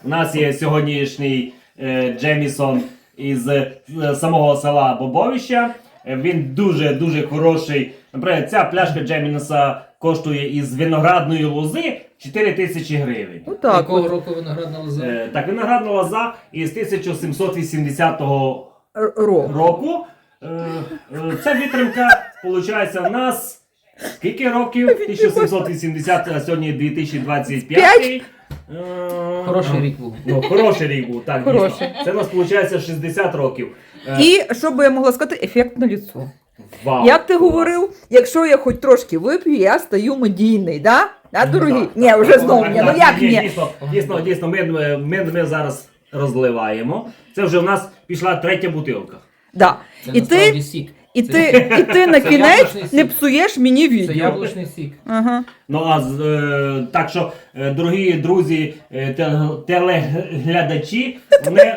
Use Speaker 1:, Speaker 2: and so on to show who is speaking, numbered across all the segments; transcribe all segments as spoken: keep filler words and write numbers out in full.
Speaker 1: У нас є сьогоднішній е, Джемісон із е, самого села Бобовища. Е, він дуже-дуже хороший. Наприклад, ця пляшка Джеміса коштує із виноградної лози чотири тисячі гривень.
Speaker 2: Ну, так,
Speaker 3: Якого
Speaker 2: от.
Speaker 3: року виноградна лоза?
Speaker 1: Е, так, виноградна лоза із тисяча сімсот вісімдесятого
Speaker 2: Р- Ро.
Speaker 1: року. Е, е, Ця витримка, виходить, в нас скільки років? тисяча сімсот вісімдесят, а сьогодні дві тисячі двадцять п'ятий. Е,
Speaker 3: Хороший рік був.
Speaker 1: Ну, хороший рік був, так, дійсно.
Speaker 2: Хороший.
Speaker 1: Це у нас виходить шістдесят років. Е,
Speaker 2: І, що би я могла сказати, ефект на лицо.
Speaker 1: Вау,
Speaker 2: Як ти
Speaker 1: клас.
Speaker 2: говорив, якщо я хоч трошки вип'ю, я стаю медійний, да? Да, дорогий?
Speaker 1: Так,
Speaker 2: Ні,
Speaker 1: так,
Speaker 2: вже
Speaker 1: так,
Speaker 2: знову
Speaker 1: так,
Speaker 2: ні, ну
Speaker 1: так,
Speaker 2: як
Speaker 1: ні,
Speaker 2: ні?
Speaker 1: Дійсно, дійсно, дійсно, ми, ми, ми зараз розливаємо. Це вже у нас пішла третя бутилка.
Speaker 2: Да.
Speaker 3: Це
Speaker 2: І
Speaker 3: насправді
Speaker 2: ти,
Speaker 3: сік.
Speaker 2: і
Speaker 3: Це-
Speaker 2: ти, і ти на
Speaker 3: Це
Speaker 2: кінець
Speaker 3: яблучний сік.
Speaker 2: не псуєш мені
Speaker 3: Це
Speaker 2: відео.
Speaker 3: яблучний сік.
Speaker 2: Ага.
Speaker 1: Ну, а з- е, так що, е, дорогі друзі, е, те- телеглядачі, вони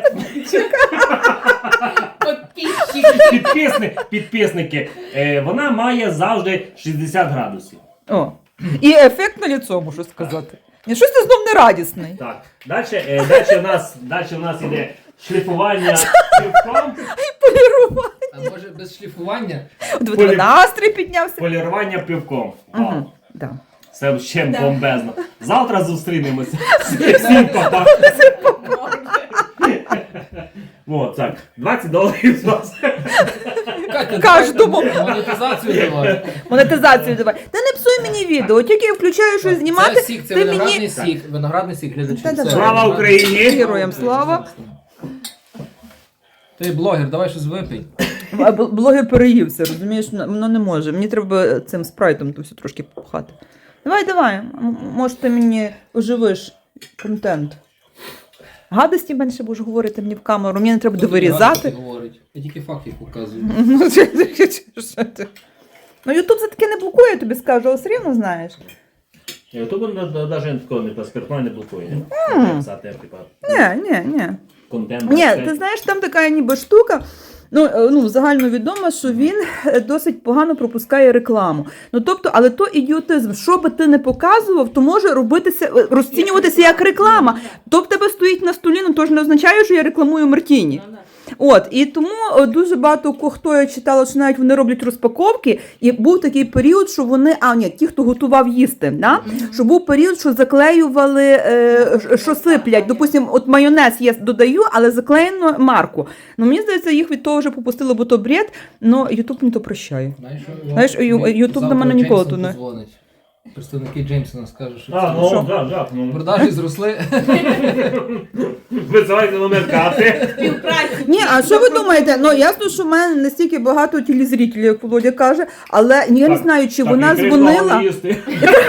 Speaker 1: підписни, підписники, е, вона має завжди шістдесят градусів.
Speaker 2: О. І ефект на лицо, можу сказати. Ні, щось ти знов нерадісний.
Speaker 1: Так, далі, е, далі у нас, далі у нас іде шліфування півком,
Speaker 2: Полірувати.
Speaker 3: А може без шліфування?
Speaker 2: От в настрій піднявся.
Speaker 1: полірування півком. Вау.
Speaker 2: Угу. Да.
Speaker 1: Це ще бомбезно. Завтра зустрінемося. Всім па-па. О, так, двадцять доларів з вас.
Speaker 3: Катя,
Speaker 2: Кожному.
Speaker 3: давай монетизацію давай.
Speaker 2: Монетизацію давай. Та не псуй мені відео, тільки я включаю щось знімати,
Speaker 3: Це сік, це
Speaker 2: ти
Speaker 3: виноградний
Speaker 2: мені...
Speaker 3: сік. Виноградний сік, глядачі.
Speaker 2: Та
Speaker 3: Це
Speaker 2: давай.
Speaker 1: Слава
Speaker 3: виноградний
Speaker 1: Україні!
Speaker 3: сік.
Speaker 2: Героям слава.
Speaker 3: Ти блогер, давай щось випий.
Speaker 2: А бл- блогер переївся, розумієш, воно не може. Мені треба цим спрайтом то все трошки попхати. Давай, давай, м- може ти мені оживиш контент. Гадості менше будеш говорити мені в камеру, мені не треба довирізати.
Speaker 3: Говорить. Я тільки факти показую.
Speaker 2: Ну, що ти? Ну, Ютуб за таке не блокує, я тобі скажу, але все рівно знаєш.
Speaker 1: Ютуб навіть такого не паспортно не блокує. Писати, типа,
Speaker 2: Ні, ні, ні.
Speaker 1: контент.
Speaker 2: Ні, ти знаєш, там така ніби штука. Ну, е, ну, загально відомо, що він е, досить погано пропускає рекламу. Ну, тобто, але то ідіотизм. Що би ти не показував, то може робитися, е, розцінюватися як реклама. То в тебе стоїть на столі, ну то ж не означає, що я рекламую Мартіні. От, і тому е, дуже багато ко- хто я читала, що навіть вони роблять розпаковки, і був такий період, що вони, а ні, ті, хто готував їсти, да? Що був період, що заклеювали, е, ш- що сиплять. Допустим, от майонез я додаю, але заклеєно марку. Ну, мені здається, їх від того вже попустило, бо то бред, але Ютуб мені то прощає.
Speaker 3: Знаєш,
Speaker 2: Знаєш, Ю-
Speaker 3: мені
Speaker 2: Ютуб до
Speaker 3: завтра
Speaker 2: мене ніколи
Speaker 3: Джеймсон
Speaker 2: тут не-
Speaker 3: подзвонить. Представники Джеймсона скажуть, що
Speaker 1: А,
Speaker 3: це-
Speaker 1: ну,
Speaker 2: Що?
Speaker 1: так, так. Ну.
Speaker 3: продажі зросли.
Speaker 1: Визивайте номер карти.
Speaker 2: Ні, а що ви думаєте? Ну, ясно, що в мене не стільки багато телезрителів, як Володя каже, але я не
Speaker 1: Так,
Speaker 2: знаю, чи
Speaker 1: так,
Speaker 2: вона
Speaker 1: і три
Speaker 2: дзвонила.
Speaker 1: слова їсти.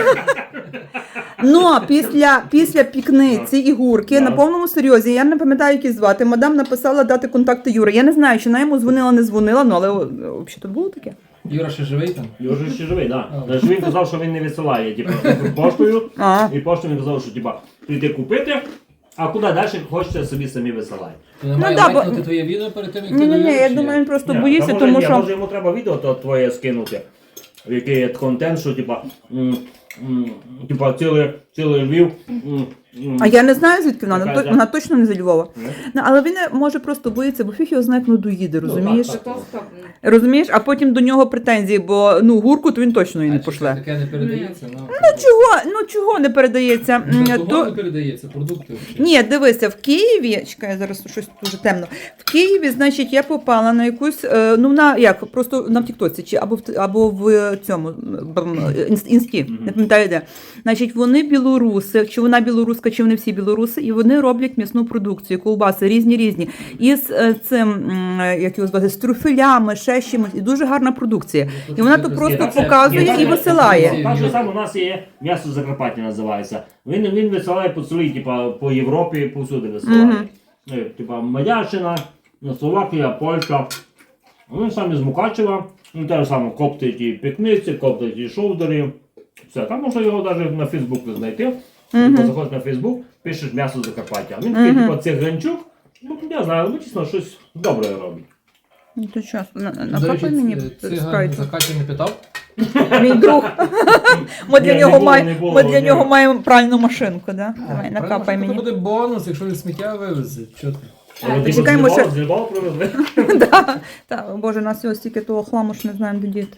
Speaker 2: Ну, після, після пікниці і гурки,
Speaker 1: Да.
Speaker 2: на повному серйозі, я не пам'ятаю, як її звати, мадам написала дати контакти Юри. Я не знаю, чи вона йому дзвонила, не дзвонила, ну, але взагалі тут було таке.
Speaker 3: Юра ще живий там?
Speaker 1: Його ще живий, так.
Speaker 3: А.
Speaker 1: Да. Він казав, що він не висилає, типу, поштою.
Speaker 2: А.
Speaker 1: І поштою він казав, що типа, прийти купити, а куди далі хочете, собі самі висилають.
Speaker 3: Ти не має
Speaker 2: да, бо-
Speaker 3: лайкнути твоє відео перед тим, як ти
Speaker 2: Ні, ні, ні,
Speaker 3: довіриш,
Speaker 2: я
Speaker 3: чи
Speaker 2: думаю,
Speaker 3: як?
Speaker 2: він просто
Speaker 1: Ні,
Speaker 2: боїться,
Speaker 1: та може,
Speaker 2: тому
Speaker 1: ні,
Speaker 2: що.
Speaker 1: може йому треба відео то твоє скинути, який є контент, що типа, м, м, типа цілий, цілий Львів. м, м,
Speaker 2: А я не знаю, звідки вона, вона,
Speaker 1: Така,
Speaker 2: то- вона точно не зі Львова.
Speaker 1: Ні?
Speaker 2: Ну, але він може просто боїться, бо фіг його знає, як ну доїде, розумієш?
Speaker 1: так, так.
Speaker 2: Розумієш? А потім до нього претензії, бо ну гурку то він точно її
Speaker 3: А
Speaker 2: не
Speaker 3: чи
Speaker 2: пошле.
Speaker 3: таке не передається? Ну,
Speaker 2: Чого? Ну чого не передається?
Speaker 3: ну,
Speaker 2: М,
Speaker 3: того
Speaker 2: то-
Speaker 3: не передається, продукти. взагалі.
Speaker 2: Ні, дивися, в Києві, чекай, зараз щось дуже темно. В Києві, значить, я попала на якусь, е, ну на як, просто на Тіктоці, чи або в або в цьому б- інс- інсті, не пам'ятаю де. Значить, вони білоруси, чи вона білоруска, чи вони всі білоруси, і вони роблять м'ясну продукцію, ковбаси різні різні. Із е, цим, м, як його звати, з трюфелями, ще з чимось, і дуже гарна продукція. І вона то просто
Speaker 1: Ні, це-
Speaker 2: показує
Speaker 1: ні,
Speaker 2: і
Speaker 1: це-
Speaker 2: висилає.
Speaker 1: Так же саме у нас є м'ясо Закарпаття називається. Він, він висилає по цілій, типа, по Європі, повсюди висилає.
Speaker 2: Мгм.
Speaker 1: Е, Типа Мадярщина, Словакія, Польща. Він сам із Мукачева. Він теж саме коптить і пікниці, коптить і шовдери. Все, там можна його навіть на Фейсбуку знайти.
Speaker 2: Мгм.
Speaker 1: Типа, заходиш на Фейсбук, пишеш м'ясо Закарпаття. Він такий,
Speaker 2: Мгм.
Speaker 1: типа, циганчук. Ну, я знаю, ну, чесно, щось добре робить.
Speaker 2: Ну, то що, на-
Speaker 3: До речі,
Speaker 2: накапай мені
Speaker 3: ц- циган
Speaker 2: спрайту.
Speaker 3: за Катю не питав?
Speaker 2: Мій друг. Ми для
Speaker 1: Ні,
Speaker 2: нього
Speaker 1: не було,
Speaker 2: маємо
Speaker 1: не було,
Speaker 2: ми для
Speaker 1: ні.
Speaker 2: нього маємо пральну машинку, да? Давай, накапай
Speaker 3: Правильно,
Speaker 2: мені.
Speaker 3: Це буде бонус, якщо він сміття вивезе. Чого ти?
Speaker 1: Але ти
Speaker 2: Чекаємо,
Speaker 1: з
Speaker 2: що-
Speaker 1: Львова- з Львова привезли?
Speaker 2: Да. Так, боже, у нас ось стільки того хламу, що не знаємо, де діти.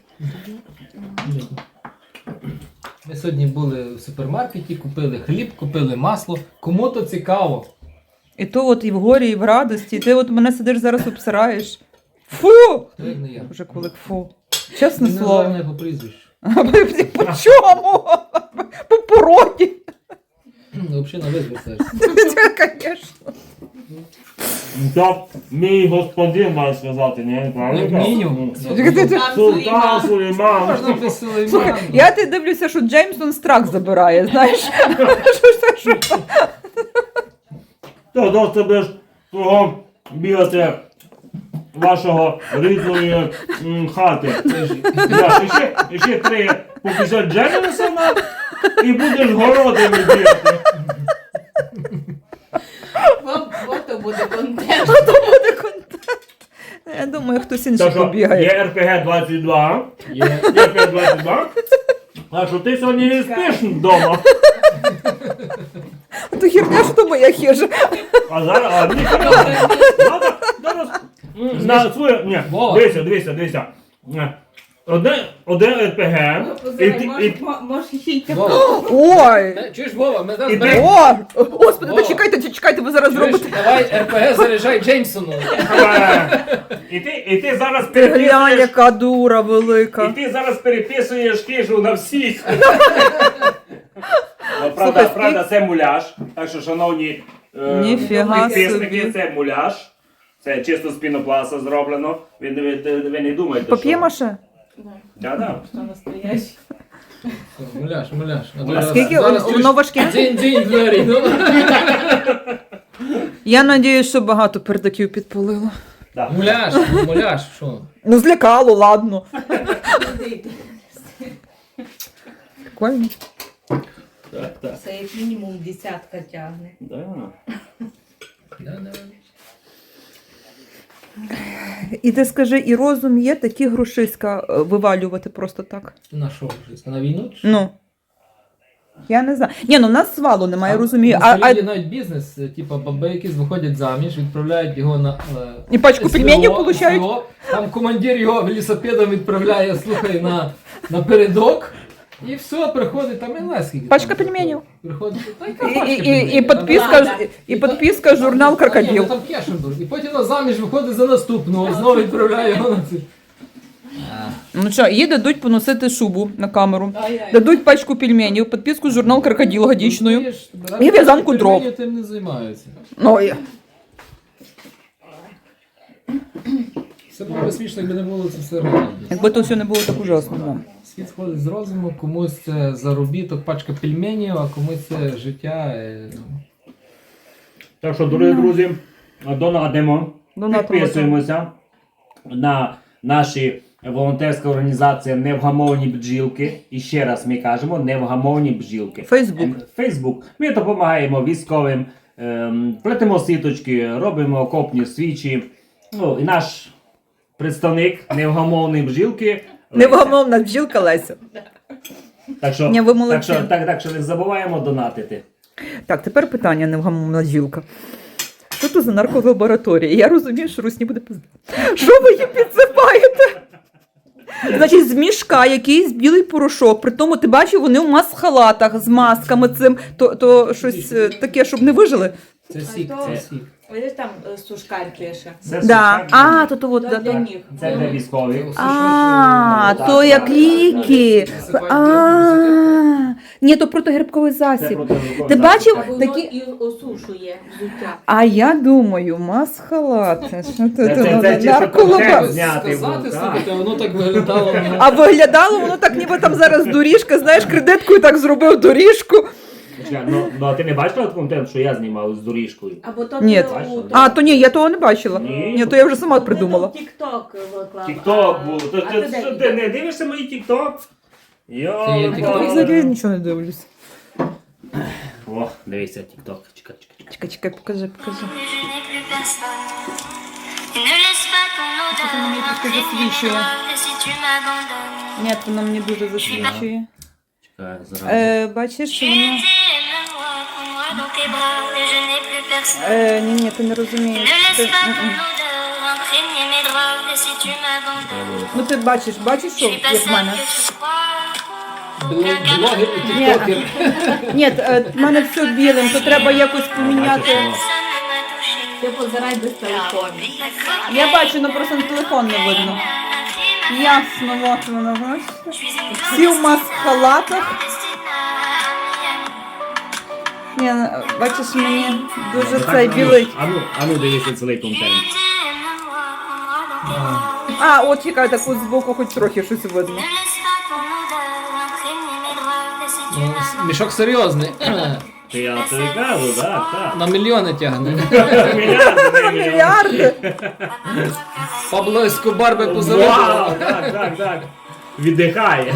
Speaker 3: Ми сьогодні були в супермаркеті, купили хліб, купили масло. Кому то цікаво.
Speaker 2: І то от і в горі, і в радості. І ти от мене сидиш зараз обсираєш. Фу!
Speaker 3: Хто як не я?
Speaker 2: Вже кулик, фу. Чесне
Speaker 3: Він
Speaker 2: слово.
Speaker 3: називає мене по прізвищу.
Speaker 2: По чому? По породі.
Speaker 3: Ну, взагалі на ви звертаєшся.
Speaker 2: Звісно.
Speaker 1: То мій господин має сказати, ні? Правильно?
Speaker 3: Як мінімум.
Speaker 1: Султан Сулейман.
Speaker 3: Можна без
Speaker 2: Слухай,
Speaker 3: Сулеймана.
Speaker 2: я ти дивлюся, що Джеймсон страх забирає, знаєш? Що, що, що?
Speaker 1: То до тебе ж того бігати вашого рідної м, хати. Да, і ще, і ще три покусять Джемісона і будеш городами бігати.
Speaker 4: Фото буде контент.
Speaker 2: То буде контент. Я думаю, хтось інший
Speaker 1: Так що
Speaker 2: побігає.
Speaker 1: є ер пі ге двадцять два.
Speaker 3: Є.
Speaker 1: Є ер пі ге двадцять два. А що ти сьогодні не спиш вдома?
Speaker 2: То херня, що то моя хижа.
Speaker 1: А зараз, а ні, зараз, зараз, м, на своє, ні,
Speaker 3: Вова.
Speaker 1: дивися, дивися, дивися. Е, Одне, одне ер пі ге, і, ти- і,
Speaker 4: Може ще й таку.
Speaker 3: Вова,
Speaker 2: Ой!
Speaker 3: та- чуєш, Вова, ми зараз
Speaker 1: Іди.
Speaker 3: беремо.
Speaker 2: О! Господи,
Speaker 3: Вова.
Speaker 2: то чекайте, чекайте, ви зараз
Speaker 3: Чуєш,
Speaker 2: зробите.
Speaker 3: давай ер пе ге заряджай Джеймсону.
Speaker 1: е, і ти, і ти зараз
Speaker 2: Ти глянь,
Speaker 1: переписуєш,
Speaker 2: яка дура
Speaker 1: і
Speaker 2: велика.
Speaker 1: ти зараз переписуєш хижу на всіх. Ну,
Speaker 2: Слухай,
Speaker 1: Правда,
Speaker 2: скільки-
Speaker 1: правда, це муляж, так що, шановні е,
Speaker 2: Ніфіга
Speaker 1: підписники,
Speaker 2: собі.
Speaker 1: це муляж. Це чисто з пінопласта зроблено. Ви, ви, ви не думаєте, що...
Speaker 2: Пап'ємаше?
Speaker 1: Да-да.
Speaker 4: Що настоящий.
Speaker 3: Муляж, муляж.
Speaker 2: А скільки воно важке?
Speaker 3: Дзінь, дзінь, двері. ну.
Speaker 2: Я надіюсь, що багато пердаків підпалило.
Speaker 1: Да.
Speaker 3: Муляж, муляж, що?
Speaker 2: Ну, злякало, ладно. Прикольно.
Speaker 1: Так, так.
Speaker 4: Це як мінімум десятка тягне.
Speaker 1: Да.
Speaker 3: Да, да.
Speaker 2: І ти скажи, і розум є такі грошиська е, вивалювати просто так?
Speaker 3: На що вже? На війну? чи що?
Speaker 2: Ну. Я не знаю. Ні, ну в нас свалу немає,
Speaker 3: А
Speaker 2: розумію.
Speaker 3: на
Speaker 2: А,
Speaker 3: Сполі є
Speaker 2: а
Speaker 3: навіть бізнес, е, типу баби, які виходять заміж, відправляють його на е,
Speaker 2: і пачку
Speaker 3: СВО,
Speaker 2: пельменів получають?
Speaker 3: СВО. Там командир його велосипедом відправляє, слухай, на, на передок. І все, приходить, там і не скільки.
Speaker 2: Пачка
Speaker 3: там
Speaker 2: пельменів.
Speaker 3: Приходить, та яка
Speaker 2: І,
Speaker 3: пачка
Speaker 2: і, і, і
Speaker 3: пельменів?
Speaker 2: підписка,
Speaker 4: Там-
Speaker 2: ж- і підписка журнал
Speaker 3: Та ні,
Speaker 2: «Крокодил».
Speaker 3: ну там кешендур. І потім на заміж виходить за наступного, знову відправляє його на ці.
Speaker 2: Ну що, їй дадуть поносити шубу на камеру.
Speaker 4: Ай-яй.
Speaker 2: Дадуть пачку пельменів, підписку журнал «Крокодил» годічною.
Speaker 3: Розумієш,
Speaker 2: І в'язанку дров.
Speaker 3: пельмені тим не займаються.
Speaker 2: Ну, і-
Speaker 3: Все було б смішно, якби не було це все реально.
Speaker 2: якби то все не було так ужасно. Да.
Speaker 3: Світ сходить з розуму, комусь це заробіток, пачка пельменів, а комусь це життя. е,
Speaker 1: Так що, дорогі друзі, донатимо,
Speaker 2: Донатимо,
Speaker 1: підписуємося на наші волонтерська організація Невгамовні бджілки. І ще раз ми кажемо, Невгамовні бджілки.
Speaker 2: Фейсбук.
Speaker 1: Ем, Фейсбук. Ми допомагаємо військовим, ем, плетемо сіточки, робимо окопні свічі. Ну, і наш представник Невгамовної бджілки. Леся.
Speaker 2: Невгамовна бджілка Леся.
Speaker 1: Так що,
Speaker 2: Ні, ви
Speaker 1: так,
Speaker 2: молодці.
Speaker 1: що, так, так що не забуваємо донатити.
Speaker 2: Так, тепер питання невгамовна бджілка. Що це за нарколабораторія? Я розумію, що Русні буде пизда. Що ви їм підсипаєте? Значить, з мішка якийсь білий порошок. При тому, ти бачив, вони в мас-халатах з масками цим. То, то щось е, таке, щоб не вижили.
Speaker 3: Це сік,
Speaker 4: то-
Speaker 3: це сік.
Speaker 4: Ось там е, сушкар пише.
Speaker 1: Це
Speaker 2: Да.
Speaker 1: сушак.
Speaker 2: А, то то от.
Speaker 4: То
Speaker 2: да,
Speaker 4: для
Speaker 2: то.
Speaker 4: них.
Speaker 1: Це для військових.
Speaker 2: А,
Speaker 1: Так,
Speaker 2: то
Speaker 1: так,
Speaker 2: як
Speaker 1: так,
Speaker 2: ліки.
Speaker 3: так.
Speaker 2: А, ні, то протигрибковий
Speaker 1: Це
Speaker 2: засіб.
Speaker 1: протизаконно.
Speaker 2: Ти бачив?
Speaker 4: А воно
Speaker 2: Такі-
Speaker 4: і осушує взуття.
Speaker 2: А я думаю, мас-халати. Що
Speaker 1: Це-
Speaker 2: ти
Speaker 1: це-
Speaker 2: думала?
Speaker 1: це чисто
Speaker 2: Нарколаба-
Speaker 1: контекст. Зняти
Speaker 3: Сказати,
Speaker 1: був,
Speaker 3: слухайте, воно так виглядало. ну,
Speaker 2: А виглядало воно так, ніби там зараз доріжка, знаєш, кредиткою так зробив доріжку.
Speaker 1: Чекай, Ну, ну, а ти не бачила контент, що я знімав з доріжкою?
Speaker 4: Або то
Speaker 2: Ні.
Speaker 4: у-
Speaker 2: А, то ні, я того не бачила.
Speaker 1: Ні.
Speaker 2: Ні, то я вже сама придумала.
Speaker 4: Тік-ток виклав.
Speaker 1: Тік-ток
Speaker 4: А-
Speaker 1: був. То,
Speaker 4: а
Speaker 1: ти,
Speaker 4: ти
Speaker 1: що,
Speaker 4: де
Speaker 1: ти не дивишся мої тік-ток? Йо,
Speaker 3: Це є
Speaker 2: Я
Speaker 3: TikTok.
Speaker 2: взагалі нічого не дивлюсь.
Speaker 1: О, дивися, тік-ток. Чекай, чекай.
Speaker 2: Чекай, чекай, покажи, покажи.
Speaker 5: Je n'ai plus personne. Ne laisse pas ton odeur
Speaker 2: Attends, mais qu'est-ce que je suis,
Speaker 5: m'imprégner
Speaker 2: je suis là.
Speaker 5: toi, et si tu m'abandonnes,
Speaker 2: Ні, воно мені дуже засвідчує.
Speaker 1: Чекай, зараз.
Speaker 2: Е, бачиш, що
Speaker 5: Tu
Speaker 2: воно...
Speaker 5: étais aime-moi, prends-moi dans tes bras, et je n'ai plus personne.
Speaker 2: Е, ні, ні, ти не
Speaker 5: Ne
Speaker 2: розумієш. Ти,
Speaker 5: laisse pas
Speaker 2: м-м.
Speaker 5: ton odeur imprégner mes draps, et si tu m'abandonnes,
Speaker 2: Ну ти бачиш, бачиш,
Speaker 5: je
Speaker 2: що,
Speaker 5: suis pas
Speaker 2: як в
Speaker 5: celle
Speaker 2: мене?
Speaker 5: que tu crois.
Speaker 3: Блог- Блогер і тіктокер.
Speaker 2: Ні, е, в мене все білим, то треба якось поміняти.
Speaker 5: Personne ne m'a touché.
Speaker 4: Ти позирай без телефону.
Speaker 2: Я бачу, але просто на телефон не видно. Ясно, от воно, бачиш? Всі в маск-халатах. Ні, ну, бачиш, мені дуже цей білий.
Speaker 1: А ну, а ну дивися цілий контент.
Speaker 5: Aime-moi, prends-moi dans tes bras.
Speaker 2: А, от чекай, так от збоку хоч трохи щось видно.
Speaker 5: Ne laisse pas ton odeur imprégner mes draps, et si tu
Speaker 3: Ну,
Speaker 5: m'abandonnes,
Speaker 3: мішок серйозний.
Speaker 1: Ти я тобі кажу, так, так.
Speaker 3: На мільйони тягне.
Speaker 1: Мільярди, не мільйони.
Speaker 2: Мільярди.
Speaker 3: Пабло Ескобар би
Speaker 1: Вау,
Speaker 3: позавидував.
Speaker 1: так, так, так. Віддихає.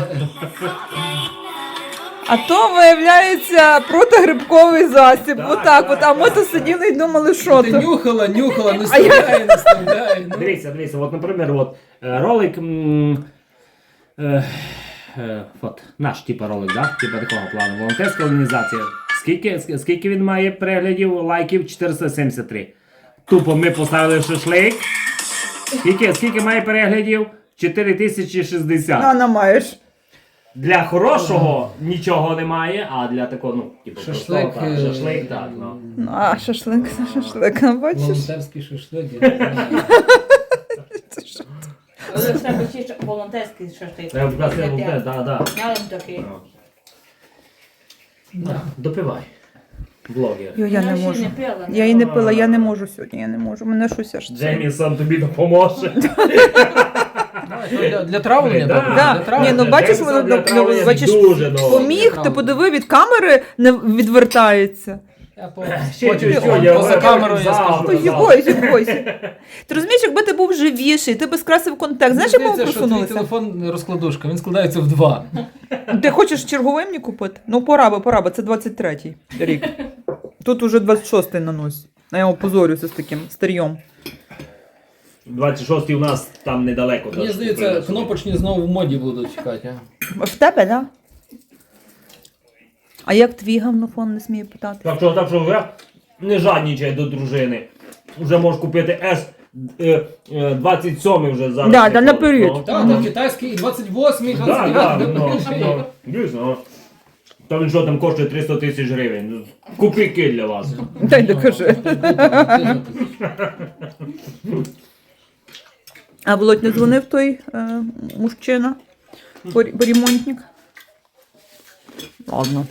Speaker 2: А то, виявляється, протигрибковий засіб.
Speaker 1: Так,
Speaker 2: Отак от.
Speaker 1: так,
Speaker 2: А ми
Speaker 1: так,
Speaker 2: то
Speaker 1: так.
Speaker 2: сиділи і думали, що
Speaker 3: Ти
Speaker 2: то.
Speaker 3: нюхала, нюхала, не вставляй, не вставляй. Ну.
Speaker 1: Дивіться, дивіться, от, наприклад, от, е, ролик, м, е, е, от, наш типа ролик, да? Типа такого плану, волонтерська організація. Скільки, ск- скільки він має переглядів, лайків? чотириста сімдесят три. Тупо ми поставили шашлик. Скільки, скільки має переглядів? чотири тисячі шістдесят.
Speaker 2: Нана маєш.
Speaker 1: Для хорошого нічого немає, а для такого, ну, типу,
Speaker 3: Шашлик,
Speaker 1: простого, так,
Speaker 3: е,
Speaker 1: шашлик, так, ну.
Speaker 2: Ну, а, шашлик, шашлик, а бачиш?
Speaker 3: Волонтерський шашлик. я не знаю.
Speaker 4: Але в тебе ще ш- волонтерський шашлик.
Speaker 1: Треба вказати, волонтер, да, да.
Speaker 4: Я вам такий.
Speaker 1: Да, допивай. Блогер.
Speaker 2: Йо, я не
Speaker 4: Вона ще
Speaker 2: можу.
Speaker 4: не пила,
Speaker 2: Я і не пила, я не можу сьогодні, я не можу. Мене щось аж це.
Speaker 1: Джеймісон тобі допоможе.
Speaker 3: Для, для травлення,
Speaker 1: Да.
Speaker 3: добре?
Speaker 2: Да.
Speaker 3: Для травлення.
Speaker 2: Ні, ну, бачиш, воно
Speaker 1: Джеймісон для
Speaker 2: доп-
Speaker 1: травлення
Speaker 2: бачиш,
Speaker 1: дуже добре.
Speaker 2: Поміг, ти подиви, від камери не відвертається.
Speaker 3: Я по-
Speaker 1: Ще
Speaker 3: потім
Speaker 1: чуть-чуть,
Speaker 3: поза
Speaker 1: я
Speaker 3: поза камерою я
Speaker 1: завтра.
Speaker 3: скажу.
Speaker 2: То їбойся, їбойся. Ти розумієш, якби ти був живіший, ти би скрасив контекст. Знаєш, як ми
Speaker 3: Здається, що твій
Speaker 2: просунулися?
Speaker 3: телефон розкладушка, він складається в два.
Speaker 2: Ти хочеш черговий мені купити? Ну, пора би, пора би, це двадцять третій рік. Тут уже двадцять шостий на носі. А я опозорюся з таким старьом.
Speaker 1: двадцять шостий у нас там недалеко.
Speaker 3: Мені
Speaker 1: теж
Speaker 3: здається,
Speaker 1: купили.
Speaker 3: кнопочні знову в моді будуть чекати. а?
Speaker 2: В тебе, да? А як твій гавнофон, не смію питати?
Speaker 1: Так що, так що вже не жаднічай до дружини. Вже можеш купити С е, е, двадцять сьомий вже зараз.
Speaker 2: Да, да,
Speaker 1: приходить.
Speaker 2: наперед.
Speaker 1: Ну,
Speaker 3: Так, так, китайський і двадцять восьмий,
Speaker 1: Да,
Speaker 3: двадцять
Speaker 1: да,
Speaker 3: дев'ятий.
Speaker 1: ну, ну, дійсно. ну. Та він що там коштує триста тисяч гривень. Копійки для вас.
Speaker 2: Дай докажи. А Володь не дзвонив той е, мужчина? Пор- Поремонтник? Ладно.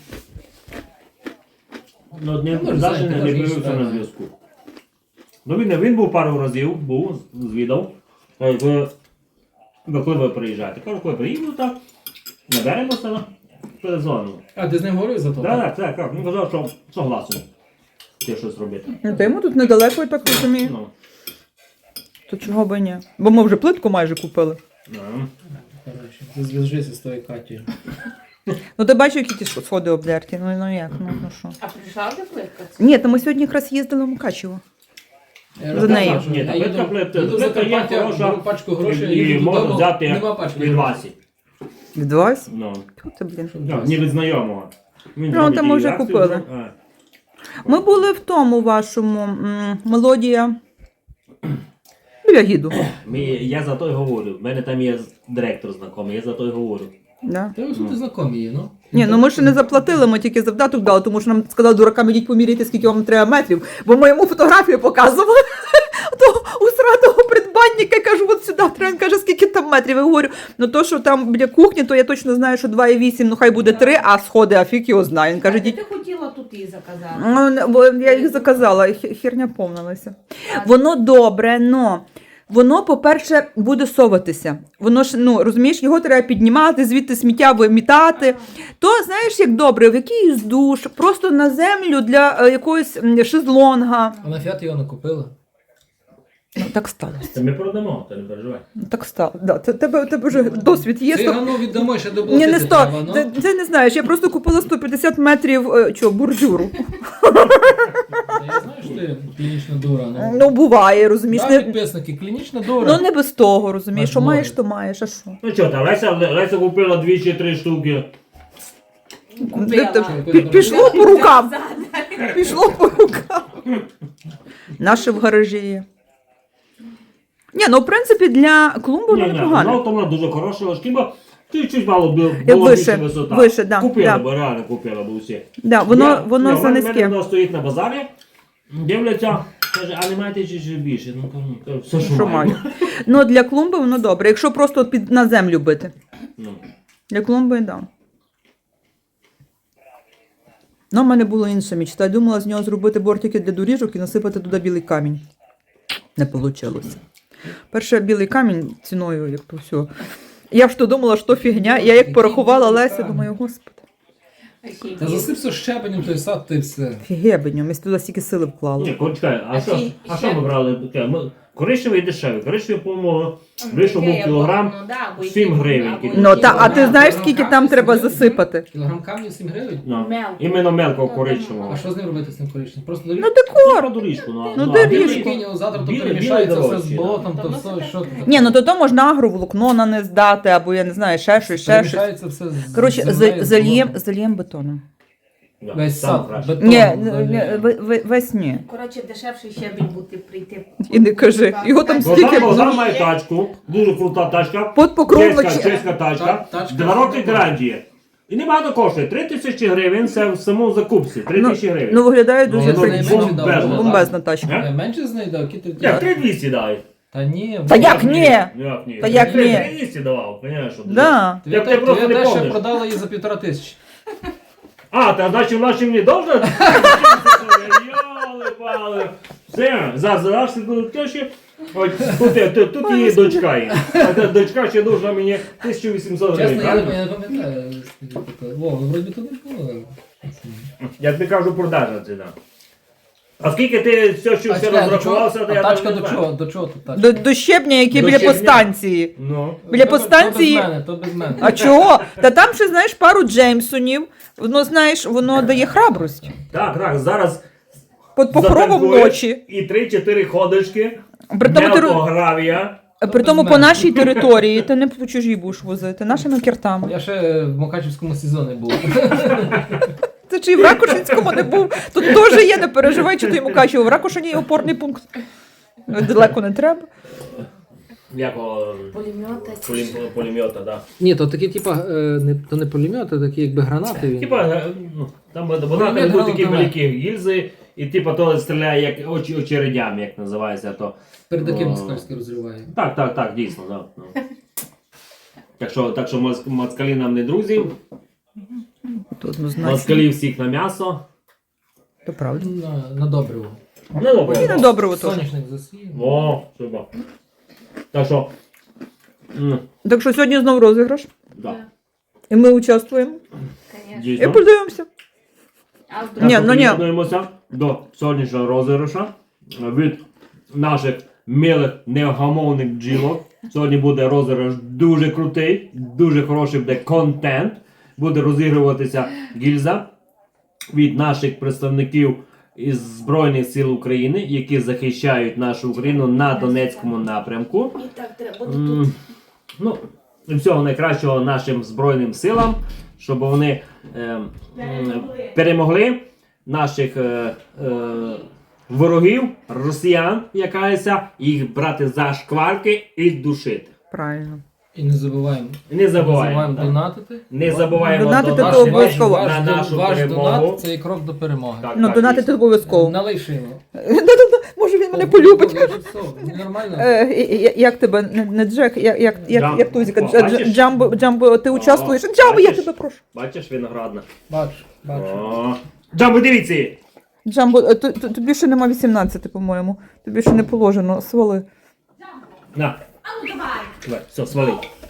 Speaker 1: Ну, не,
Speaker 3: Ну,
Speaker 1: завжди
Speaker 3: знаєте,
Speaker 1: не
Speaker 3: може,
Speaker 1: появився
Speaker 3: і
Speaker 1: на
Speaker 3: сюди.
Speaker 1: зв'язку. Ну він, він був пару разів, був, звідав. Е, Ви, ви коли ви приїжджаєте? Кажу, коли приїду, так, наберемося, перезвонимо.
Speaker 3: А, ти з ним говорив за то?
Speaker 1: Так, так, так, так. Він казав, що согласен. Ти щось робити.
Speaker 2: Ну, та йому тут недалеко, я так розумію.
Speaker 1: Ну,
Speaker 2: То чого би ні? Бо ми вже плитку майже купили.
Speaker 1: ну.
Speaker 3: Коротше, ти зв'яжися з тою Катєю.
Speaker 2: Ну ти бачив, які ті сходи обдерті. Ну, ну як, ну, ну що.
Speaker 4: А прийшла вже плитка?
Speaker 2: Ні, то ми сьогодні якраз їздили в Мукачево.
Speaker 3: Я
Speaker 2: За нею.
Speaker 3: розказав, що
Speaker 1: Ні,
Speaker 3: я
Speaker 1: та
Speaker 3: їду-
Speaker 1: плитка, плитка,
Speaker 3: їду в
Speaker 1: плитка є
Speaker 3: Закарпаття,
Speaker 1: хороша.
Speaker 3: беру пачку грошей,
Speaker 1: І
Speaker 3: їду
Speaker 1: можна
Speaker 3: додому,
Speaker 1: взяти
Speaker 3: нема пачки
Speaker 1: від
Speaker 3: грошей.
Speaker 1: Васі.
Speaker 2: Від вас?
Speaker 1: Ну,
Speaker 2: Тьфу ти, блін.
Speaker 1: ну, не від знайомого. Він
Speaker 2: Ну,
Speaker 1: робить
Speaker 2: там ми
Speaker 1: і
Speaker 2: вже
Speaker 1: акцію,
Speaker 2: купили.
Speaker 1: ну, а.
Speaker 2: Ми були в тому вашому м, мелодія. Біля гіду.
Speaker 1: Ми, я за то й говорю. В мене там є директор знайомий, я за то й говорю.
Speaker 2: Да.
Speaker 3: Та ви тут знайомі є, ну?
Speaker 2: Ні, ну ми ще не заплатили, ми тільки завдаток дали, тому що нам сказали, дуракам, ідіть поміряйте, скільки вам треба метрів, бо ми йому фотографію показували. Того усратого придбанника, кажу, от сюди треба, він каже, скільки там метрів. Я говорю, ну то, що там біля кухні, то я точно знаю, що два і вісім, ну хай буде три, а сходи, а фік його знає. Він каже,
Speaker 4: Ти
Speaker 2: діть.
Speaker 4: хотіла тут її заказати.
Speaker 2: Ну, не- бо я їх заказала, хі- херня повнилася. Воно добре, но воно, по-перше, буде соватися. Воно ж, ну, розумієш, його треба піднімати, звідти сміття вимітати. То, знаєш, як добре, в якийсь душ, просто на землю для е, якогось м, шезлонга.
Speaker 3: А на фіат його не купила.
Speaker 2: Ну, так сталося.
Speaker 1: Це ми продамо, ти не переживай.
Speaker 2: Ну, так стало. Да, це- тебе, тебе вже досвід є.
Speaker 3: Ти
Speaker 2: сто-
Speaker 3: гану віддамо, ще
Speaker 2: Ні,
Speaker 3: доплатити
Speaker 2: не сто.
Speaker 3: треба, ну.
Speaker 2: Це, це не знаєш, я просто купила сто п'ятдесят метрів е, чого, бордюру.
Speaker 3: Та я знаю, що коштує клінічна дура? Ну,
Speaker 2: Ну, буває, розумієш.
Speaker 3: да,
Speaker 2: Не,
Speaker 3: підписники, клінічна дура.
Speaker 2: ну не без того, розумієш, що
Speaker 3: Можливо.
Speaker 2: маєш, то маєш, а що?
Speaker 1: Ну що, та Леся, Леся купила дві чи три штуки.
Speaker 2: Де ти-
Speaker 4: Купила.
Speaker 2: пі- Пішло по рукам. Пішло по рукам. Наше в гаражі є. Ні, ну в принципі для клумби воно
Speaker 1: Ні, ні,
Speaker 2: непогано.
Speaker 1: ну, то вона дуже хороша, шкіба. Ти чуть мало було
Speaker 2: Як
Speaker 1: було
Speaker 2: вище,
Speaker 1: більше висота.
Speaker 2: вище, да,
Speaker 1: Купила,
Speaker 2: да.
Speaker 1: бо реально купила, бо всі.
Speaker 2: Да, воно,
Speaker 1: Я-
Speaker 2: воно
Speaker 1: ні,
Speaker 2: за
Speaker 1: в мене- в
Speaker 2: низьке.
Speaker 1: мене воно стоїть на базарі, дивляться, каже, а не маєте чи ще більше? Ну, кажу, кажу, все, що,
Speaker 2: Що
Speaker 1: маю.
Speaker 2: маю. Ну для клумби воно добре. Якщо просто під на землю бити.
Speaker 1: Ну.
Speaker 2: Для клумби, так. Да. Ну, в мене була інша мічта. Я думала з нього зробити бортики для доріжок і насипати туди білий камінь. Не вийшло. Перше білий камінь ціною, як то все. Я ж то думала, що фігня. Я як порахувала Леся, думаю, господи,
Speaker 3: Та засип все щебенем той сад, ти все.
Speaker 2: фігебеню, ми туди стільки сили вклали.
Speaker 1: Ні, Коль, чекай, а
Speaker 4: А
Speaker 1: що,
Speaker 4: чи-
Speaker 1: а
Speaker 4: ще-
Speaker 1: що ми брали? Таке, ми- Коричневий дешевий. Коричневий, по-моєму, вийшов був кілограм
Speaker 4: Ну, да, бо
Speaker 1: сім
Speaker 4: які-
Speaker 1: гривень.
Speaker 4: або
Speaker 2: Ну,
Speaker 4: які-
Speaker 2: та, а ти
Speaker 3: Кілограм,
Speaker 2: знаєш,
Speaker 3: кілограм
Speaker 2: скільки там
Speaker 3: камню
Speaker 2: треба
Speaker 3: сім
Speaker 2: засипати?
Speaker 3: Кілограм камню сім гривень?
Speaker 1: Ну,
Speaker 4: Мелко.
Speaker 1: іменно мелко
Speaker 4: Ну,
Speaker 1: коричневого.
Speaker 3: А що з ним робити з цим коричневим? Просто
Speaker 2: Ну,
Speaker 3: доріжку?
Speaker 2: декор.
Speaker 1: На доріжку, ну,
Speaker 2: Ну,
Speaker 1: а
Speaker 2: доріжку.
Speaker 1: білий-
Speaker 3: Прикинь, завтра то
Speaker 1: білий-
Speaker 3: перемішається
Speaker 1: білий
Speaker 3: все з
Speaker 1: дорожчий,
Speaker 3: болотом,
Speaker 4: да.
Speaker 3: то
Speaker 4: Та
Speaker 3: все,
Speaker 4: ну,
Speaker 3: що ти
Speaker 2: Ні, ну то то можна агроволокно на не здати, або я не знаю, ще щось, ще щось.
Speaker 3: перемішається все з
Speaker 2: Коротше,
Speaker 3: землею,
Speaker 2: за-
Speaker 3: з
Speaker 2: зальєм,
Speaker 3: болотом.
Speaker 2: зальєм бетоном.
Speaker 1: Да,
Speaker 3: Весь
Speaker 1: там
Speaker 3: сад,
Speaker 1: краще.
Speaker 3: бетон.
Speaker 2: Ні,
Speaker 3: заліє.
Speaker 2: ні, ви- ви- весь ні.
Speaker 4: Коротше, дешевший щебінь бути прийти.
Speaker 2: І не кажи. Його там
Speaker 1: Богдан,
Speaker 2: Скільки-
Speaker 1: Богдан має тачку, дуже крута тачка.
Speaker 2: Под покровом
Speaker 1: Чеська,
Speaker 2: чи-
Speaker 1: чеська тачка.
Speaker 3: Та- тачка
Speaker 1: Два роки
Speaker 3: нормальна.
Speaker 1: гарантія. І небагато коштує. Три тисячі гривень це в самому закупці. Три
Speaker 2: Ну,
Speaker 1: тисячі гривень.
Speaker 2: ну виглядає
Speaker 3: Ну,
Speaker 2: дуже
Speaker 3: це
Speaker 2: при-
Speaker 3: найменше
Speaker 2: бом-
Speaker 3: дав,
Speaker 1: да.
Speaker 2: бомбезна тачка.
Speaker 1: Е?
Speaker 3: Е, Менше з неї дав, які ти...
Speaker 1: Як три двісті дай.
Speaker 3: Та ні.
Speaker 2: Та
Speaker 3: ви-
Speaker 2: як ні?
Speaker 1: Як ні?
Speaker 2: Та як
Speaker 1: Три-
Speaker 2: ні?
Speaker 1: три двісті давав, звісно.
Speaker 2: Да.
Speaker 3: Твоя
Speaker 1: Як ти
Speaker 3: те-
Speaker 1: просто
Speaker 3: твоя
Speaker 1: не
Speaker 3: те, що
Speaker 1: помниш.
Speaker 3: продала її за півтора тисячі.
Speaker 1: А, та значить вона ще мені довго? Йоли-пали. Все, за зараз тут тещі. Ось тут, тут, тут її дочка є. А та дочка ще должна мені тисячу вісімсот гривень.
Speaker 3: Чесно, я не
Speaker 1: правильно?
Speaker 3: я не пам'ятаю. скільки таке. О, вроді то не було.
Speaker 1: Я тобі кажу продажна ціна. А скільки ти все, що
Speaker 3: А
Speaker 1: все
Speaker 3: чекай, до чого-
Speaker 1: розрахувався, то
Speaker 3: а
Speaker 1: я
Speaker 3: тачка
Speaker 1: там
Speaker 3: до
Speaker 1: не знаю.
Speaker 3: чого? До чого тут тачка?
Speaker 2: До, до щебня, який
Speaker 1: До
Speaker 2: біля
Speaker 1: щебня.
Speaker 2: постанції.
Speaker 1: Ну.
Speaker 2: Біля
Speaker 3: То без-
Speaker 2: постанції-
Speaker 3: То без мене, то без мене.
Speaker 2: А чого? Та там ще, знаєш, пару Джеймсонів. Воно, знаєш, воно дає храбрость.
Speaker 1: Так, так, зараз
Speaker 2: Під покровом
Speaker 1: затанкуєш
Speaker 2: ночі.
Speaker 1: І три-чотири ходочки,
Speaker 2: При тому, ти, ро-
Speaker 1: гравія.
Speaker 2: при тому
Speaker 3: без
Speaker 2: по
Speaker 3: мене.
Speaker 2: нашій території ти не по чужій будеш возити, нашими кіртами.
Speaker 3: Я ще в Мукачівському сезоні був.
Speaker 2: Ти чи в Ракушинському не був? Тут теж є, не переживай, чи ти йому кажеш, в Ракушині є опорний пункт. Далеко не треба.
Speaker 1: Якого
Speaker 4: Пулемета.
Speaker 1: пулем- пулемета, да.
Speaker 3: Ні, то такі, типа, е, не, то не пулемети, такі якби гранати. Він.
Speaker 1: Типа, е, ну, там вона
Speaker 3: Пулемет
Speaker 1: там будуть такі
Speaker 3: гранатомет.
Speaker 1: великі гільзи, і типа то стріляє як очі очередями, як називається то.
Speaker 3: Передаки
Speaker 1: О.
Speaker 3: москальські розриває.
Speaker 1: Так, так, так, дійсно, да. Ну. Так що, так що моц- москалі нам не друзі,
Speaker 2: Тут однозначно.
Speaker 1: москалі всіх на м'ясо.
Speaker 2: То правда.
Speaker 3: На, на добриво.
Speaker 1: Не добре.
Speaker 2: І на добриво теж.
Speaker 3: Соняшник засів.
Speaker 1: О, супер. Так що, м,
Speaker 2: Так що сьогодні знову розіграш.
Speaker 1: да,
Speaker 2: І ми участвуємо.
Speaker 4: Конечно.
Speaker 2: І
Speaker 1: дійсно.
Speaker 2: подивимося.
Speaker 4: А
Speaker 1: Так
Speaker 4: вдруг?
Speaker 2: Ні,
Speaker 1: що
Speaker 2: ну ні.
Speaker 1: приєднуємося до сьогоднішнього розіграша від наших милих невгамовних бджілок. Сьогодні буде розіграш дуже крутий, дуже хороший буде контент. Буде розігруватися гільза від наших представників із Збройних сил України, які захищають нашу Україну на Донецькому напрямку.
Speaker 4: І так треба
Speaker 1: М,
Speaker 4: тут.
Speaker 1: Ну, і всього найкращого нашим Збройним силам, щоб вони е, м, перемогли наших е, е, ворогів, росіян, якаяся, їх брати за шкварки і душити.
Speaker 2: Правильно.
Speaker 3: І не забуваємо.
Speaker 1: І не забуваємо. так.
Speaker 3: донатити.
Speaker 1: Не забуваємо
Speaker 2: Донатити
Speaker 1: донатити
Speaker 2: то
Speaker 3: Ваш-
Speaker 2: обов'язково.
Speaker 3: ваш-
Speaker 1: на
Speaker 3: ваш
Speaker 1: нашу
Speaker 3: ваш
Speaker 1: перемогу.
Speaker 3: донат це і крок до перемоги.
Speaker 1: Так,
Speaker 2: Ну,
Speaker 1: так,
Speaker 2: донатити
Speaker 1: дійсно.
Speaker 2: обов'язково.
Speaker 3: Налий шило.
Speaker 2: Да-да-да, може він мене полюбить.
Speaker 3: Нормально?
Speaker 2: Е, і- і- Як тебе, не, не Джек, як, як, як,
Speaker 1: Джам-
Speaker 2: як Тузіка,
Speaker 1: О,
Speaker 2: Дж-
Speaker 1: бачиш?
Speaker 2: Джамбо, Джамбо, ти участвуєш?
Speaker 1: О,
Speaker 2: Джамбо, я
Speaker 1: бачиш?
Speaker 2: тебе прошу.
Speaker 1: Бачиш, виноградна.
Speaker 3: Бачу, бачу.
Speaker 1: О. Джамбо, дивіться! її.
Speaker 2: Джамбо, е, т- т- тобі ще нема вісімнадцяти, по-моєму. Тобі ще не положено, свали.
Speaker 1: На,
Speaker 4: А ну давай,
Speaker 1: давай, все, свали.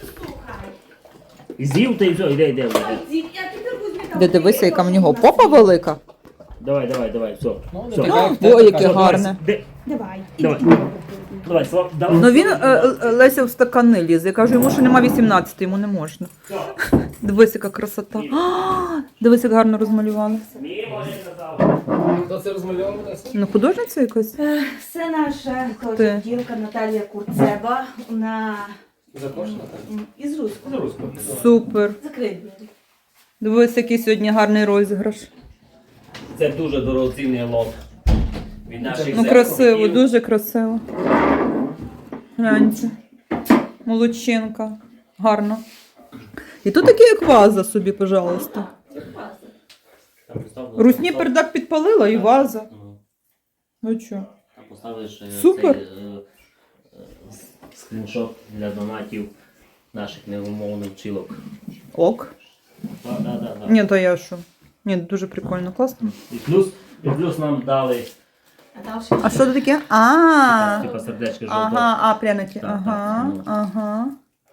Speaker 4: слухай.
Speaker 1: З'їв ти і все, іде, іде, іде.
Speaker 4: Дід, я тепер візьму там.
Speaker 2: Де дивися, яка в нього попа велика.
Speaker 1: Давай, давай, давай, все.
Speaker 3: Ну,
Speaker 1: все.
Speaker 3: не така, як
Speaker 2: О,
Speaker 3: ти,
Speaker 2: яке
Speaker 3: така.
Speaker 1: Все, давай,
Speaker 2: гарне.
Speaker 1: де-
Speaker 4: Давай.
Speaker 1: Давай. Давай, Слав, давай.
Speaker 2: Ну він, е, е, Леся, в стакани лізе. Я кажу, йому ще нема вісімнадцяти, йому не можна.
Speaker 1: Все.
Speaker 2: Дивись, яка красота. А, дивись, як гарно розмалювали.
Speaker 1: Ні, може, казав.
Speaker 3: Хто це розмальовував? Леся?
Speaker 2: Ну, художниця якась?
Speaker 4: Е, Це наша
Speaker 2: ти.
Speaker 4: теж дівка Наталія Курцеба. Вона
Speaker 3: Запрошена, так?
Speaker 4: м, із Руського.
Speaker 1: З руського.
Speaker 2: Супер.
Speaker 4: Закрий двері.
Speaker 2: Дивись, який сьогодні гарний розіграш.
Speaker 1: Це дуже дорогоцінний лот. Від наших
Speaker 2: Ну, красиво,
Speaker 1: земляків.
Speaker 2: дуже красиво. Гляньте. Молодчинка. Гарно. І тут таке, як ваза собі, пожалуйста.
Speaker 1: Там поставили-
Speaker 2: Русні пердак підпалила і ваза.
Speaker 1: Ну,
Speaker 2: Ну що?
Speaker 1: там поставиш е,
Speaker 2: Супер.
Speaker 1: цей, е, е, скріншот для донатів наших невимовних вчилок.
Speaker 2: Ок.
Speaker 1: Так, так, так, так.
Speaker 2: Ні, то я що? Ні, дуже прикольно, класно.
Speaker 1: І плюс, і плюс нам дали
Speaker 4: А далі
Speaker 2: А що це таке? А,
Speaker 1: типа сердечко жовте.
Speaker 2: ага, а, пряники.
Speaker 1: Так,
Speaker 2: Ага,
Speaker 1: так, ну.
Speaker 2: ага.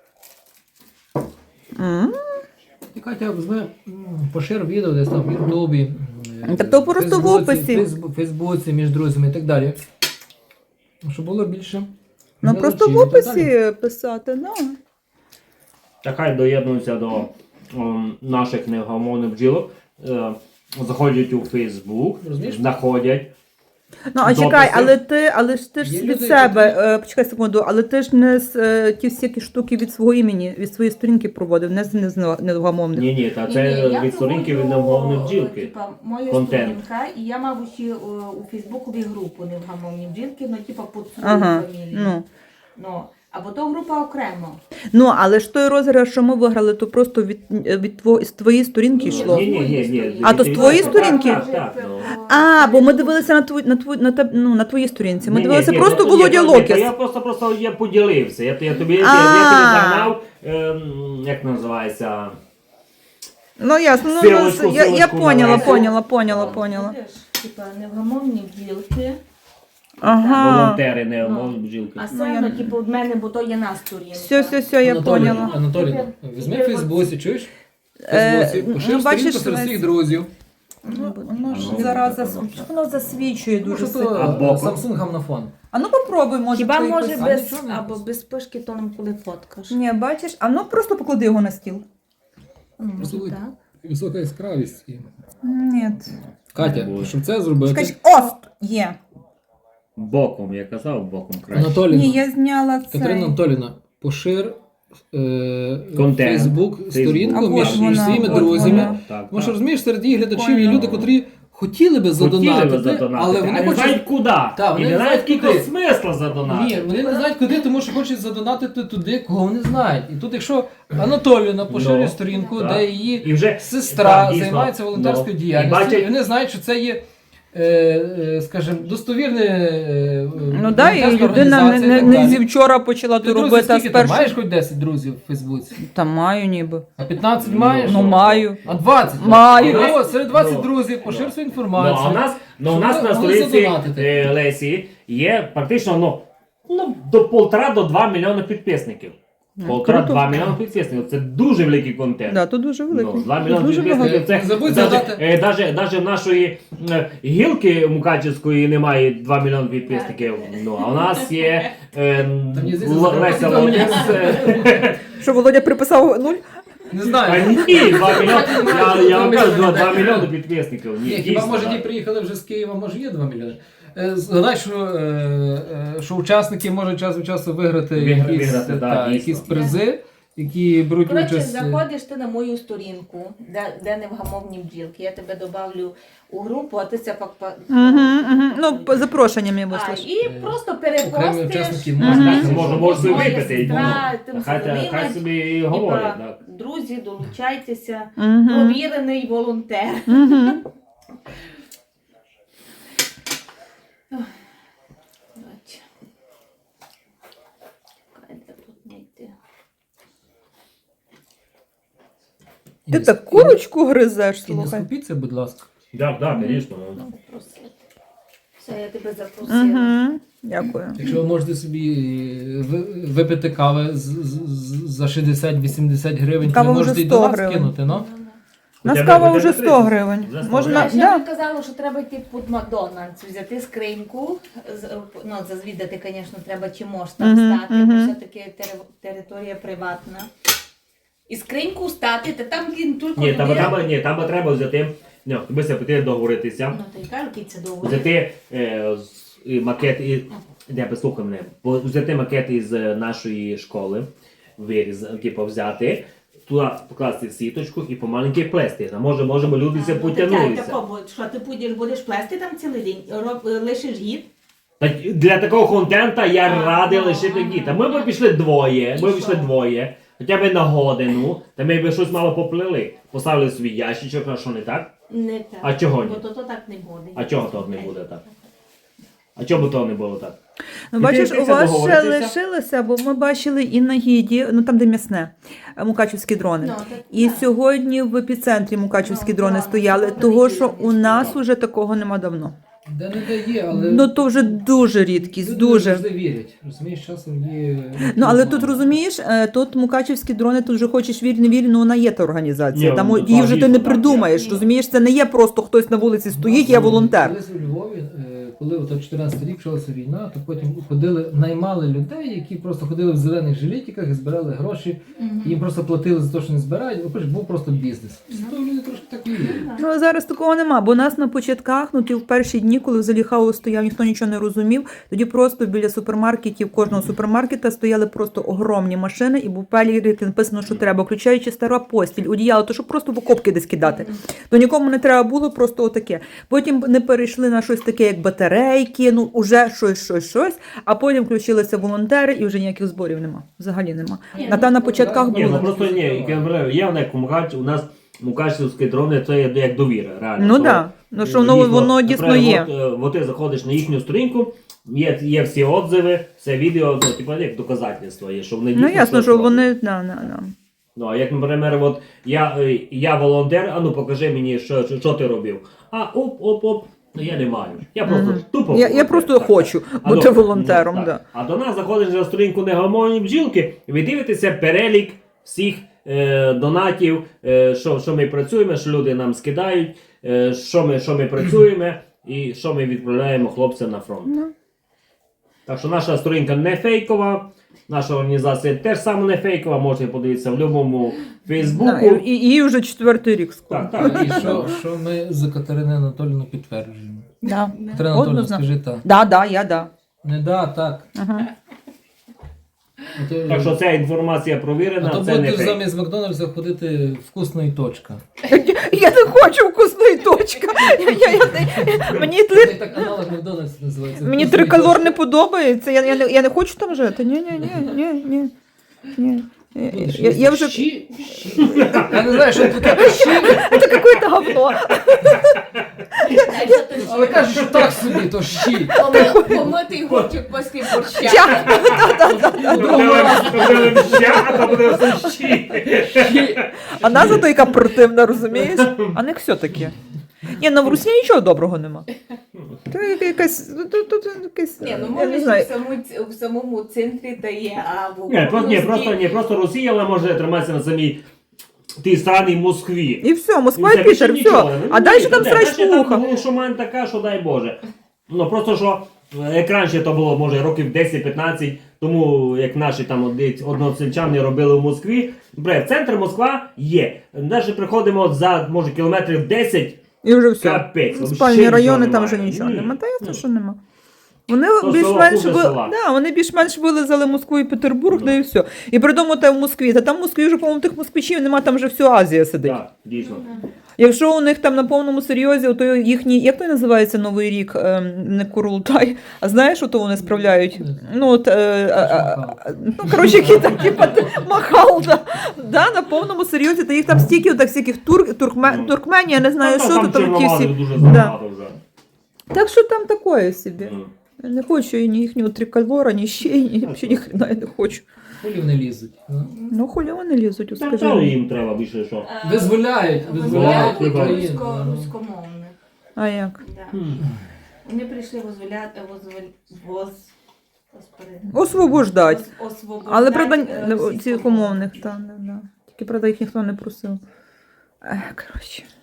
Speaker 2: М.
Speaker 3: І Катя, візьми, м, пошир відео десь там в Ютубі, е,
Speaker 2: Та то просто в
Speaker 3: Фейсбуці,
Speaker 2: описі.
Speaker 3: Фейсбу- Фейсбуці, між друзями і так далі. Щоб було більше.
Speaker 2: Ну просто в
Speaker 3: глядачів і так далі.
Speaker 2: описі писати, да.
Speaker 1: Та хай доєднуються до ем, наших невгамовних бджілок, е, заходять у Фейсбук,
Speaker 3: Розумієш? знаходять.
Speaker 2: Ну, а
Speaker 1: Дописи.
Speaker 2: чекай, але ти, але ж ти ж
Speaker 3: Є
Speaker 2: від
Speaker 3: люди,
Speaker 2: себе,
Speaker 3: які-
Speaker 2: е, почекай секунду, але ти ж не з е, ті всякі штуки від свого імені, від своєї сторінки проводив, не з не з невгамовних.
Speaker 1: Ні, ні, та
Speaker 4: Ні,
Speaker 1: це
Speaker 4: ні, я
Speaker 1: від сторінки від
Speaker 4: проводжу,
Speaker 1: невгамовних
Speaker 4: е,
Speaker 1: бджілки.
Speaker 4: Типа, моя
Speaker 1: Контент.
Speaker 4: сторінка, і я мав ще е, у Фейсбукові групу невгамовні бджілки, ну типа під свою
Speaker 2: Ага,
Speaker 4: фамілію.
Speaker 2: ну.
Speaker 4: Ну, або то група окремо.
Speaker 2: Ну, але ж той розіграш, що ми виграли, то просто від, від тво, з твоєї сторінки йшло.
Speaker 1: Ні, ні, ні, ні.
Speaker 2: А, то з твоєї сторінки?
Speaker 1: Так, так, так, ну.
Speaker 2: А, бо ми дивилися на твої на твої на теб, ну, на твоїй сторінці. Ми
Speaker 1: Ні,
Speaker 2: дивилися
Speaker 1: ні,
Speaker 2: просто
Speaker 1: то- ні,
Speaker 2: Володя
Speaker 1: то- ні,
Speaker 2: Локіс.
Speaker 1: то Я просто просто я поділився. Я, я тобі я,
Speaker 2: А.
Speaker 1: я тобі загнав, ем, як називається.
Speaker 2: Ну ясно, ну,
Speaker 1: Силочку,
Speaker 2: ну я, я
Speaker 1: силочку
Speaker 2: поняла,
Speaker 1: на
Speaker 2: поняла, поняла, поняла.
Speaker 4: Видиш, Типа невгамовні бджілки,
Speaker 2: Ага.
Speaker 1: Волонтери невгамовні
Speaker 4: Ну.
Speaker 1: бджілки.
Speaker 4: а
Speaker 2: Ну,
Speaker 4: це,
Speaker 2: я-
Speaker 4: ну, типу, в мене, бо то є на сторінка.
Speaker 2: Все, все, все, я
Speaker 3: Анатолій,
Speaker 2: поняла.
Speaker 3: Анатолій,
Speaker 4: Тепер-
Speaker 3: візьми в
Speaker 4: тепер
Speaker 3: Фейсбуці, чуєш? В
Speaker 2: Е,
Speaker 3: Фейсбуці, пошир
Speaker 2: ну, бачиш,
Speaker 3: сторінку серед
Speaker 2: Лесь.
Speaker 3: всіх друзів.
Speaker 2: Ну, воно ж
Speaker 1: Ну,
Speaker 2: зараза,
Speaker 1: ну,
Speaker 2: воно засвічує
Speaker 3: Ну,
Speaker 2: дуже
Speaker 3: що
Speaker 2: сильно.
Speaker 1: А
Speaker 3: то
Speaker 1: боком?
Speaker 3: Samsung на фон.
Speaker 2: А ну попробуй, може.
Speaker 4: Хіба
Speaker 2: твої
Speaker 4: може
Speaker 2: писати.
Speaker 4: без,
Speaker 3: нічого не
Speaker 4: або
Speaker 3: написано.
Speaker 4: без пишки тоном, коли фоткаш?
Speaker 2: Ні, бачиш, а ну просто поклади його на стіл.
Speaker 4: Ну, може
Speaker 3: Послухай.
Speaker 4: так.
Speaker 3: Висока яскравість. і-
Speaker 2: Ні.
Speaker 3: Катя,
Speaker 1: Боже.
Speaker 3: щоб це зробити.
Speaker 2: Чекай, о, є.
Speaker 1: Боком, я казав, боком краще.
Speaker 3: Анатоліна,
Speaker 2: Ні, я зняла
Speaker 3: Катерина
Speaker 2: це.
Speaker 3: Анатоліна, пошир е,
Speaker 1: Контент.
Speaker 3: Фейсбук
Speaker 1: Фейсбук.
Speaker 3: сторінку
Speaker 2: А
Speaker 3: між,
Speaker 2: от
Speaker 3: між
Speaker 2: вона,
Speaker 3: своїми
Speaker 2: от
Speaker 3: друзями.
Speaker 2: вона.
Speaker 1: Так,
Speaker 3: Тому що
Speaker 1: так.
Speaker 3: розумієш, серед її глядачів є
Speaker 2: Поняла.
Speaker 3: люди, котрі хотіли би
Speaker 1: Хотіли
Speaker 3: задонатити,
Speaker 1: би задонатити,
Speaker 3: але вони
Speaker 1: а не
Speaker 3: хочуть.
Speaker 1: знають куди.
Speaker 3: Так, вони
Speaker 1: і
Speaker 3: не
Speaker 1: не знають,
Speaker 3: знають
Speaker 1: скільки
Speaker 3: куди.
Speaker 1: смисла задонатити.
Speaker 3: Ні, вони не знають куди, тому що хочуть задонатити туди, кого вони знають. І тут, якщо Анатоліна поширює
Speaker 1: Ну,
Speaker 3: сторінку,
Speaker 1: так.
Speaker 3: де її
Speaker 1: І вже
Speaker 3: сестра
Speaker 1: так, дійсно.
Speaker 3: займається волонтерською
Speaker 1: Ну, і
Speaker 3: діяльністю, і,
Speaker 1: бачать-
Speaker 3: вони знають, що це є, е, е, скажімо, достовірне. е,
Speaker 2: Ну да, і
Speaker 3: волонтерська
Speaker 2: людина не,
Speaker 3: організація і
Speaker 2: не,
Speaker 3: так
Speaker 2: не
Speaker 3: далі.
Speaker 2: зі вчора почала
Speaker 3: Ти
Speaker 2: то
Speaker 3: друзі,
Speaker 2: робити, а
Speaker 3: скільки
Speaker 2: з
Speaker 3: ти
Speaker 2: першого.
Speaker 3: маєш хоч десять друзів в Фейсбуці?
Speaker 2: Та маю ніби.
Speaker 3: А п'ятнадцять
Speaker 1: Ну,
Speaker 3: маєш?
Speaker 2: Ну маю.
Speaker 3: А двадцять?
Speaker 2: Маю.
Speaker 3: Ну, от, серед двадцять
Speaker 1: Ну,
Speaker 3: друзів пошир
Speaker 1: ну.
Speaker 3: свою
Speaker 1: Ну,
Speaker 3: інформацію.
Speaker 1: а у нас, ну, у
Speaker 3: Щоб
Speaker 1: нас
Speaker 3: ви
Speaker 1: на
Speaker 3: могли
Speaker 1: сторінці
Speaker 3: задонатити.
Speaker 1: е, Лесі є практично ну, ну, до полтора до два мільйони підписників.
Speaker 2: Ну,
Speaker 1: Полтора-два
Speaker 2: круто.
Speaker 1: мільйони підписників. Це дуже великий контент.
Speaker 2: Да, то дуже великий.
Speaker 1: Ну, два мільйони
Speaker 2: Дуже
Speaker 1: підписників.
Speaker 2: багато.
Speaker 1: Це,
Speaker 3: Не забудь
Speaker 1: даже,
Speaker 3: згадати.
Speaker 1: е, даже, даже в нашої е, гілки Мукачівської немає два мільйони підписників. Ну, а у нас є е,
Speaker 3: Та мені здається,
Speaker 1: Л-
Speaker 3: це
Speaker 1: Леся
Speaker 3: два мільйони.
Speaker 1: Локіс. е,
Speaker 2: Що, Володя приписав нуль?
Speaker 3: Не
Speaker 1: Та
Speaker 3: знаю.
Speaker 1: ні, два мільйони. Я, я вам кажу,
Speaker 3: мільйони.
Speaker 1: два мільйони підписників. Ні,
Speaker 3: Ні, хіба
Speaker 1: дійсно,
Speaker 3: може
Speaker 1: так.
Speaker 3: ті приїхали вже з Києва, може є два мільйони. Е, Згадай, що, е, е, що учасники можуть час від часу виграти,
Speaker 1: Вигра-
Speaker 3: якісь,
Speaker 1: виграти, да,
Speaker 3: та,
Speaker 1: дійсно.
Speaker 3: якісь призи, які беруть
Speaker 4: Коротше,
Speaker 3: участь. е,
Speaker 4: заходиш ти на мою сторінку, де, де невгамовні бджілки. Я тебе добавлю у групу, а ти це пак... па-
Speaker 2: Угу, угу. Ну, по запрошення мені
Speaker 4: А,
Speaker 2: вислиш.
Speaker 4: і просто
Speaker 3: Окремі
Speaker 4: перепостиш.
Speaker 3: учасники
Speaker 2: Мгм.
Speaker 3: можуть.
Speaker 1: Так, може, може собі
Speaker 4: Моя
Speaker 1: випити. і,
Speaker 4: сестра,
Speaker 1: ну,
Speaker 4: тим
Speaker 1: Хай,
Speaker 4: самим,
Speaker 1: хай собі і
Speaker 4: типа,
Speaker 1: говорять. Так.
Speaker 4: Друзі, долучайтеся.
Speaker 2: Угу.
Speaker 4: Провірений волонтер.
Speaker 2: Угу.
Speaker 4: Бач. Чекай, де тут знайти?
Speaker 2: Ти так курочку гризеш,
Speaker 3: І не
Speaker 2: слухай.
Speaker 3: скупіться, будь ласка.
Speaker 1: Так, так, звісно. ну.
Speaker 4: Просити. Все, я тебе запросила.
Speaker 2: Угу. Дякую.
Speaker 3: Якщо ви можете собі е, ви- випити кави з- з- з- за шістдесят-вісімдесят гривень,
Speaker 2: Кава
Speaker 3: то ви
Speaker 2: вже
Speaker 3: можете і
Speaker 2: сто
Speaker 3: до нас
Speaker 2: гривень.
Speaker 3: кинути, ну?
Speaker 2: У нас
Speaker 1: Хоча б-
Speaker 2: кава
Speaker 1: хоча б
Speaker 2: вже
Speaker 1: тридцять.
Speaker 2: сто гривень.
Speaker 1: Вже сто
Speaker 2: Можна,
Speaker 4: Я ще
Speaker 2: да.
Speaker 4: не казала, що треба йти під Макдональдс, взяти скриньку. з- Ну, зазвідати, звісно, треба, чи можеш там
Speaker 2: Мгм,
Speaker 4: стати,
Speaker 2: мгм.
Speaker 4: бо все-таки тери- територія приватна. І скриньку стати, та там він тільки
Speaker 1: Ні, там,
Speaker 4: людина-
Speaker 1: там, ні, там треба взяти Ну, тобі це потрібно договоритися.
Speaker 4: Ну, то й кажу, який це довго.
Speaker 1: Взяти е, з- і макет, і, де, послухай мене, бо взяти макет із е, нашої школи, виріз, типу, взяти, туди покласти сіточку і помаленьки плести. А може, можемо люди це потягнулися.
Speaker 4: Тако, що ти будеш, будеш плести там цілий день, роб, лишиш гід?
Speaker 1: Так, для такого контента я
Speaker 4: А,
Speaker 1: радий
Speaker 4: ну,
Speaker 1: лише
Speaker 4: ага.
Speaker 1: такі. Та ми б пішли двоє,
Speaker 4: І
Speaker 1: ми б
Speaker 4: що?
Speaker 1: пішли двоє, хоча б на годину, та ми б щось мало поплили. Поставили свій ящичок, а що не так?
Speaker 4: Не так.
Speaker 1: А чого ні?
Speaker 4: Бо то, то так не буде.
Speaker 1: А чого то не буде так? А чому то не було так?
Speaker 2: Ну,
Speaker 1: І
Speaker 2: бачиш,
Speaker 1: ти-
Speaker 2: у
Speaker 1: ти це
Speaker 2: вас ще
Speaker 1: договоритися?
Speaker 2: лишилося, бо ми бачили і на гіді, ну там, де м'ясне, е, мукачівські дрони.
Speaker 4: Ну, так,
Speaker 2: І
Speaker 4: так.
Speaker 2: сьогодні в епіцентрі мукачівські
Speaker 4: Ну,
Speaker 2: дрони
Speaker 4: да,
Speaker 2: стояли,
Speaker 4: ну,
Speaker 2: того що
Speaker 4: понеділок
Speaker 2: у
Speaker 4: не
Speaker 2: нас
Speaker 1: стояли.
Speaker 2: уже такого нема давно.
Speaker 3: Де не дає, але
Speaker 2: Ну то вже дуже рідкість,
Speaker 3: люди
Speaker 2: дуже.
Speaker 3: завжди вірять. Розумієш, часом є.
Speaker 2: Ну але тут розумієш, е, тут мукачівські дрони, тут вже хочеш вір, не вір, ну вона є та організація.
Speaker 1: Ні,
Speaker 2: Там
Speaker 1: ну,
Speaker 2: її вже ти
Speaker 1: дійсно
Speaker 2: не
Speaker 1: так,
Speaker 2: придумаєш.
Speaker 4: є.
Speaker 2: Розумієш, це не є просто хтось на вулиці стоїть, я волонтер.
Speaker 3: Колись у Львові, е, коли ото чотирнадцятий рік почалася війна, то потім ходили, наймали людей, які просто ходили в зелених жилетиках і збирали гроші.
Speaker 4: Мгм.
Speaker 3: Їм просто платили за те, що не збирають, бо був просто бізнес. То люди трошки так і вірять.
Speaker 2: Ну а зараз такого нема, бо у нас на початках, ну ти в перші дні, коли взагалі хаос стояв, ніхто нічого не розумів. Тоді просто біля супермаркетів, кожного супермаркета стояли просто огромні машини, і був перелік написано, що треба, включаючи стара постіль, одіяло, то щоб просто в окопки десь кидати. То нікому не треба було, просто отаке. Потім не перейшли на щось таке, як батарейки, ну уже щось, щось, щось. А потім включилися волонтери, і вже ніяких зборів нема. Взагалі нема.
Speaker 4: Ні,
Speaker 2: На та
Speaker 4: ну,
Speaker 2: на початках
Speaker 1: Ні, ну
Speaker 2: було.
Speaker 1: просто ні, як я говорю, є в як Мукач, у нас мукачівські дрони, це є як довіра, реально.
Speaker 2: Ну
Speaker 1: То,
Speaker 2: так, ну що
Speaker 1: е,
Speaker 2: воно, воно дійсно
Speaker 1: наприклад,
Speaker 2: є.
Speaker 1: От, е, от ти заходиш на їхню сторінку, є, є всі отзиви, все відео, ну, типу, як доказательство є, що вони
Speaker 2: Ну
Speaker 1: дійсно
Speaker 2: ясно,
Speaker 1: щось
Speaker 2: що
Speaker 1: роблять.
Speaker 2: вони. Да, да, да.
Speaker 1: Ну, а як, наприклад, от я, е, я волонтер, а ну покажи мені, що, що, що ти робив. А оп-оп-оп, ну я не маю. Я просто
Speaker 2: Мгм.
Speaker 1: тупо
Speaker 2: Я, я
Speaker 1: волонтер.
Speaker 2: просто
Speaker 1: Так,
Speaker 2: хочу
Speaker 1: так. А
Speaker 2: бути
Speaker 1: до-
Speaker 2: волонтером.
Speaker 1: ну,
Speaker 2: Да.
Speaker 1: так. А до нас заходиш на сторінку негомовні бджілки, і ви дивитеся перелік всіх е, донатів, е, що, що ми працюємо, що люди нам скидають, е, що, ми, що ми працюємо і що ми відправляємо хлопцям на фронт.
Speaker 2: Ну.
Speaker 1: Так що наша сторінка не фейкова, наша організація теж саме не фейкова, можете подивитися в будь-якому Фейсбуку.
Speaker 2: Да, і, і, їй вже четвертий рік скоро.
Speaker 1: Так, так.
Speaker 3: І що, що ми за Катерину Анатоліївну підтверджуємо.
Speaker 2: Да.
Speaker 3: Катерина Анатоліївна,
Speaker 2: Однозначно.
Speaker 3: скажи так.
Speaker 2: Да, да, я да.
Speaker 3: Не да, так.
Speaker 2: Ага.
Speaker 3: Ото-
Speaker 1: Так що ця інформація
Speaker 3: А
Speaker 1: провірена,
Speaker 3: то
Speaker 1: це не
Speaker 3: будеш
Speaker 1: фейк.
Speaker 3: замість Макдональдса ходити вкусна і точка.
Speaker 2: Я не хочу вкусної точки. Я, я, я, мені,
Speaker 3: Це
Speaker 2: три,
Speaker 3: так аналог Макдональдса називається.
Speaker 2: мені
Speaker 3: «Вкусна і
Speaker 2: триколор
Speaker 3: точка».
Speaker 2: не подобається. Я, я, не, я не хочу там жити. Ні, ні, ні, ні, ні. ні. Я,
Speaker 3: Будеш
Speaker 2: я, я вже...
Speaker 3: щі, щі. Я не знаю, що тут таке щі,
Speaker 2: Це какое-то говно.
Speaker 3: але кажуть, що так собі, то щі.
Speaker 4: Помитий горчик після борща.
Speaker 2: Ча. Да, да, да.
Speaker 1: Тобто ще, а то буде все щі.
Speaker 2: А назва то яка противна, розумієш? А не все таке. Ні, на в Русі нічого доброго нема. Це яка- якась... Тут, тут, якась
Speaker 4: Ні, ну
Speaker 2: я не
Speaker 4: може
Speaker 2: знаю.
Speaker 4: в, самому, в самому центрі та є, а в
Speaker 1: Ні, просто, ні,
Speaker 4: окружності-
Speaker 1: просто, ні, просто Росія, але може триматися на самій тій странній Москві.
Speaker 2: І все, Москва
Speaker 1: І це
Speaker 2: і
Speaker 1: більше
Speaker 2: Пітер,
Speaker 1: нічого.
Speaker 2: все.
Speaker 1: Ну,
Speaker 2: А
Speaker 1: ні,
Speaker 2: далі
Speaker 1: та
Speaker 2: там
Speaker 1: де,
Speaker 2: срач
Speaker 1: далі там
Speaker 2: муха.
Speaker 1: було, що мене така, що дай Боже. Ну просто що, е, як раніше то було, може, років десять-п'ятнадцять, тому як наші там оди- односельчани робили в Москві. Бре, центр Москва є. Навіть приходимо за, може, кілометрів десять,
Speaker 2: І вже все.
Speaker 1: капець. вообще
Speaker 2: Спальні
Speaker 1: нічого
Speaker 2: райони там
Speaker 1: немає.
Speaker 2: вже нічого
Speaker 1: Ні.
Speaker 2: нема. Та ясно,
Speaker 1: Ну.
Speaker 2: що нема. Вони
Speaker 1: То
Speaker 2: більш-менш
Speaker 1: село,
Speaker 2: ви...
Speaker 1: хуже села.
Speaker 2: да, вони більш-менш вилизали Москву і Петербург,
Speaker 1: Ну.
Speaker 2: да і все. І придумали те в Москві. Та там в Москві вже, по-моєму, тих москвичів нема, там вже всю Азія сидить.
Speaker 1: Так, дійсно.
Speaker 2: Якщо у них там на повному серйозі, то їхній, як той називається Новий рік, Ем, не Курултай, а знаєш, що то вони справляють? Ну, от, е, е, е, ну, коротше, які там, типа, махал, да, да, на повному серйозі, та їх там стільки, так, всяких тур, туркме,
Speaker 1: Ну.
Speaker 2: туркмені, я не знаю,
Speaker 1: Там-
Speaker 2: що то
Speaker 1: там
Speaker 2: там ті всі.
Speaker 1: чорномазих дуже забагато вже.
Speaker 2: Так що там такое собі.
Speaker 1: Ну.
Speaker 2: Я не хочу ні їхнього трикольора, ні ще, ні, взагалі ні хрена я не хочу.
Speaker 3: Хулі вони лізуть. ну.
Speaker 2: Ну, хулі вони лізуть,
Speaker 1: Там
Speaker 2: скажи.
Speaker 1: то
Speaker 2: мені.
Speaker 1: їм треба більше що.
Speaker 4: А,
Speaker 3: Визволяють,
Speaker 1: визволяють
Speaker 4: визволяють
Speaker 1: Україну,
Speaker 4: русько,
Speaker 3: ну.
Speaker 4: руськомовних.
Speaker 2: А як?
Speaker 4: Да. Вони прийшли возволяти, возволяти, воз... Господи.
Speaker 2: Освобождать.
Speaker 4: Ос- освобождать,
Speaker 2: Але, правда,
Speaker 4: е,
Speaker 2: не-
Speaker 4: російськомовних.
Speaker 2: цих умовних, так, да, да. Тільки, правда, їх ніхто не просив. Ех, коротше.